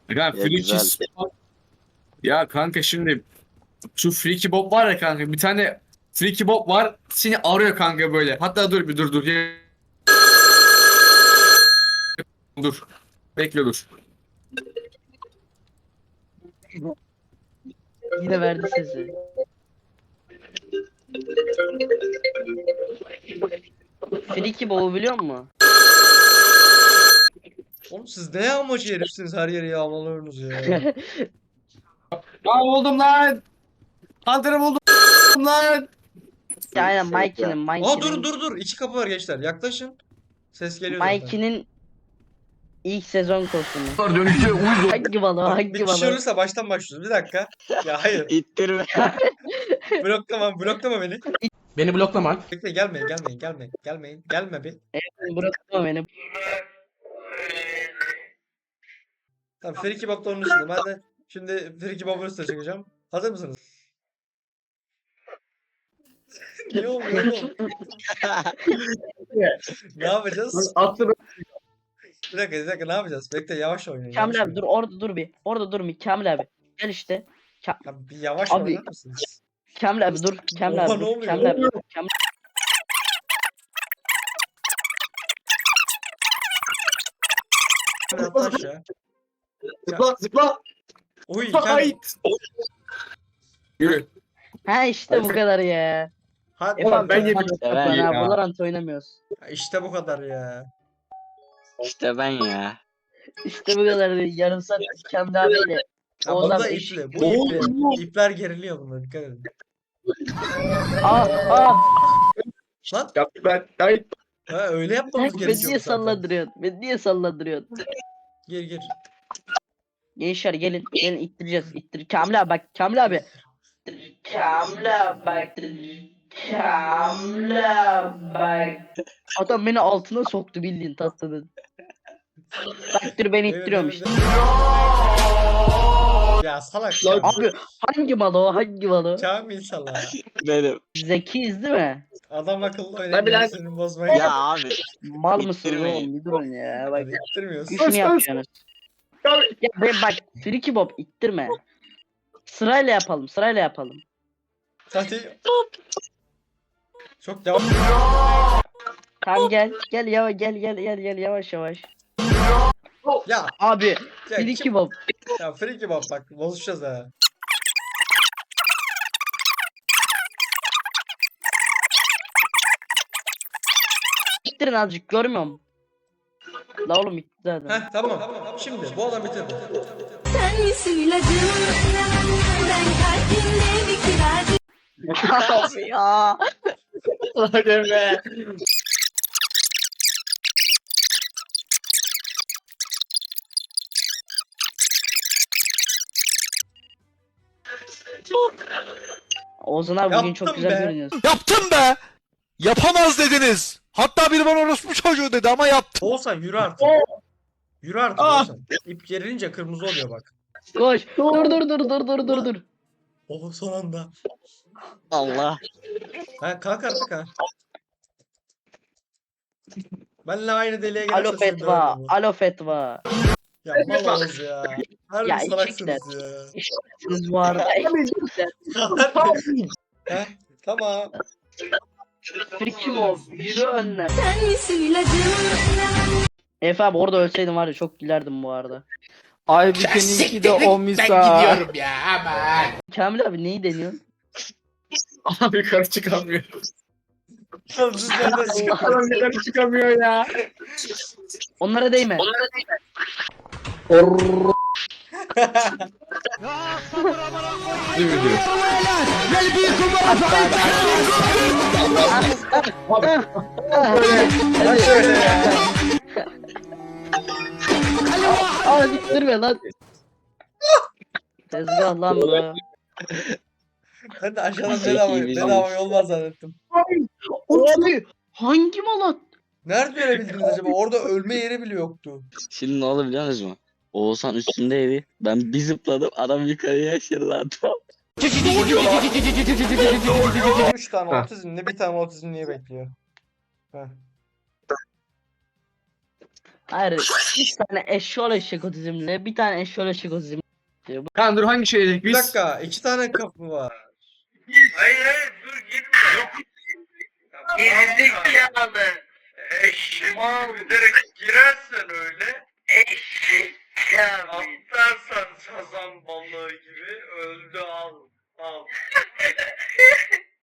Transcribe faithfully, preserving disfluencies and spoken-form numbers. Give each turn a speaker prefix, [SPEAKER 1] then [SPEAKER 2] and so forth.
[SPEAKER 1] Ya,
[SPEAKER 2] Ya güzel.
[SPEAKER 1] Frikis. Ya kanka şimdi şu Freaky Bob var ya kanka, bir tane Freaky Bob var seni arıyor kanka böyle. Hatta dur bir dur dur. Ya- Dur. Bekle dur.
[SPEAKER 3] Yine verdi sesi. Friki Bow'u biliyor musun?
[SPEAKER 4] Oğlum siz ne yağmacı herifsiniz, her yeri yağmalıyorsunuz ya.
[SPEAKER 1] Aa buldum lan. Hunter'ı buldum lan.
[SPEAKER 3] Aynen Mikey'nin,
[SPEAKER 4] Aa dur
[SPEAKER 3] Mikey'nin,
[SPEAKER 4] dur dur, iki kapı var gençler, yaklaşın. Ses geliyor zaten.
[SPEAKER 3] Mikey'nin ilk sezon kostümü. Hangi balığı,
[SPEAKER 4] Bak,
[SPEAKER 3] hangi
[SPEAKER 4] bir kişi
[SPEAKER 3] balığı?
[SPEAKER 4] ölürse baştan başlıyoruz. Bir dakika. Ya hayır.
[SPEAKER 2] İttirme.
[SPEAKER 4] Bloklama, bloklama beni.
[SPEAKER 5] Beni bloklama.
[SPEAKER 4] Bekle, gelmeyin, gelmeyin, gelmeyin, gelmeyin. Gelme bir.
[SPEAKER 3] Bırakma beni.
[SPEAKER 4] Tamam, Friki Bob'da onun üstünde. Ben de şimdi Friki Bob'un üstüne çıkacağım. Hazır mısınız? Ne oluyor oğlum? Ne yapacağız?
[SPEAKER 1] Atlı
[SPEAKER 4] Bir dakika, bir dakika, ne yapacağız? Bekle, yavaş oynayın.
[SPEAKER 3] Kamil
[SPEAKER 4] Yavaş
[SPEAKER 3] abi dur
[SPEAKER 4] oynayın.
[SPEAKER 3] orada dur bir. Orada dur bir Kamil abi. Gel işte. Ka
[SPEAKER 4] Ya bir yavaş
[SPEAKER 3] Abi,
[SPEAKER 4] oynar mısınız?
[SPEAKER 3] Kamil abi dur. Kamil
[SPEAKER 4] Oha,
[SPEAKER 3] abi
[SPEAKER 4] ne
[SPEAKER 3] dur.
[SPEAKER 4] oluyor?
[SPEAKER 3] Kamil abi dur. Kamil
[SPEAKER 4] Yat aşağı.
[SPEAKER 1] zıpla zıpla.
[SPEAKER 4] Uy, Kamil.
[SPEAKER 1] Hayt. Yürü.
[SPEAKER 3] Ha işte bu kadar ya.
[SPEAKER 4] Hadi.
[SPEAKER 3] Efe abi
[SPEAKER 1] ben
[SPEAKER 3] ben
[SPEAKER 1] yedim.
[SPEAKER 2] Ben
[SPEAKER 3] ben
[SPEAKER 1] ya.
[SPEAKER 3] abi Valorant oynamıyoruz.
[SPEAKER 4] İşte bu kadar ya.
[SPEAKER 2] İşte ben ya.
[SPEAKER 3] İşte bu kadar değil. Yarım saat Kamil abiyle.
[SPEAKER 4] Ya bu
[SPEAKER 3] Oğuzhan
[SPEAKER 4] da
[SPEAKER 3] eşit.
[SPEAKER 4] ipli. Bu ipli. İpler geriliyor bunda, dikkat edin.
[SPEAKER 3] Aa aa.
[SPEAKER 4] Lan
[SPEAKER 1] Ya ben hayt.
[SPEAKER 4] ha, öyle yapmamız
[SPEAKER 3] Beni
[SPEAKER 4] gerekiyor
[SPEAKER 3] niye
[SPEAKER 4] zaten.
[SPEAKER 3] salladırıyorsun? Beni niye salladırıyorsun?
[SPEAKER 4] Gir gir.
[SPEAKER 3] Gençler gelin. Gelin ittireceğiz. İttir. Kamil abi bak. Kamil abi. Kamil abi bak. Kamil abi bak. Adam beni altına soktu bildiğin tatlının. Bak dur beni
[SPEAKER 4] Evet,
[SPEAKER 3] ittiriyormuş.
[SPEAKER 4] evet, evet. Ya salak ya.
[SPEAKER 3] Abi hangi malı o? Hangi malı?
[SPEAKER 4] Kamil salak.
[SPEAKER 2] Benim.
[SPEAKER 3] Zekiyiz değil mi?
[SPEAKER 4] Adam akıllı
[SPEAKER 1] Tabii
[SPEAKER 4] oynayın,
[SPEAKER 1] lan.
[SPEAKER 4] senin bozmayın.
[SPEAKER 2] Ya abi.
[SPEAKER 3] Mal mısınız
[SPEAKER 2] İttirmeyin.
[SPEAKER 3] oğlum? Bir durun ya. Bak.
[SPEAKER 4] Hadi ittirmiyorsun.
[SPEAKER 3] Şunu yapacaksınız. Ya ben bak. Friki Bob ittirme. Sırayla yapalım. Sırayla yapalım.
[SPEAKER 4] Hadi. Çok yavaş.
[SPEAKER 3] Tamam gel. Gel yavaş gel gel gel gel yavaş yavaş.
[SPEAKER 4] Ya.
[SPEAKER 3] Abi
[SPEAKER 4] Ya,
[SPEAKER 3] Friki
[SPEAKER 4] kim-
[SPEAKER 3] Bob.
[SPEAKER 4] ya Friki Bob bak, bozuşacağız ha.
[SPEAKER 3] İttirin azıcık görmüyor musun? La oğlum itti zaten.
[SPEAKER 4] Heh tamam. Şimdi bu adam bitirdi.
[SPEAKER 6] Sen misin ilacım? Ben kalbimde bir kiracı.
[SPEAKER 3] Abi ya.
[SPEAKER 1] Hadi be.
[SPEAKER 3] Oğuzhan abi bugün çok
[SPEAKER 4] Yaptım
[SPEAKER 3] güzel
[SPEAKER 4] be.
[SPEAKER 3] görünüyorsun.
[SPEAKER 7] Yaptım be. Yapamaz dediniz. Hatta biri bana orospu çocuğu dedi ama yaptım.
[SPEAKER 4] Oğuzhan yürü artık. Yürü artık
[SPEAKER 1] Ah.
[SPEAKER 4] Oğuzhan. İp gerilince kırmızı oluyor bak.
[SPEAKER 3] Koş. Dur dur dur dur dur dur dur.
[SPEAKER 4] Oh, son anda.
[SPEAKER 2] Allah.
[SPEAKER 4] Ha, kalk artık ha. Benle aynı deliğe
[SPEAKER 3] Alo
[SPEAKER 4] gelirse seni
[SPEAKER 3] fetva.
[SPEAKER 4] döverim bu.
[SPEAKER 3] Alo fetva.
[SPEAKER 4] Ya mal Oğuz ya. Harbi
[SPEAKER 3] Ya,
[SPEAKER 4] salaksınız ya.
[SPEAKER 3] Siz bu arada.
[SPEAKER 4] Heh, tamam.
[SPEAKER 3] Friki Bob. Yürü önüne.
[SPEAKER 6] Sen misin ilacım?
[SPEAKER 3] Efe abi orada ölseydin var ya çok gülerdim bu arada.
[SPEAKER 5] Aybüke'ninki de o misal.
[SPEAKER 7] Ben gidiyorum ya aman.
[SPEAKER 3] Kamil abi neyi deniyorsun?
[SPEAKER 1] Abi yukarı çıkamıyor.
[SPEAKER 4] Oğlum siz nereden çıkıyorsunuz?
[SPEAKER 1] Adam yukarı çıkamıyor ya.
[SPEAKER 3] Onlara değme.
[SPEAKER 1] Değil mi diyor?
[SPEAKER 4] Ha şöyle ya.
[SPEAKER 3] Aa diktirme lan. Tezgah lan bu.
[SPEAKER 4] Ben de aşağıdan
[SPEAKER 2] Zeki
[SPEAKER 4] bedava,
[SPEAKER 2] bizim.
[SPEAKER 4] bedava yol var zannettim.
[SPEAKER 3] Abi hangi malat?
[SPEAKER 4] Nerede görebildiniz acaba? Orada ölme yeri bile yoktu.
[SPEAKER 2] Şimdi ne oldu biliyor musunuz mu? Oğuzhan üstündeydi. Ben bir zıpladım. Adam yukarıya aşırıladı.
[SPEAKER 4] Üç tane
[SPEAKER 1] Ha.
[SPEAKER 4] otizmli, bir tane otizmliyi bekliyor. Heh.
[SPEAKER 3] Hayır. Bir tane eşşoğlu eşek otizmli. Bir tane eşşoğlu eşek otizmli.
[SPEAKER 1] Kaan dur hangi şehirdeyiz
[SPEAKER 4] Bir
[SPEAKER 1] biz?
[SPEAKER 4] dakika, iki tane kapı var.
[SPEAKER 8] Hayır hayır dur gitme. Gerizekalı. Eşek direkt girersen öyle. Eşek. Atlarsan sazan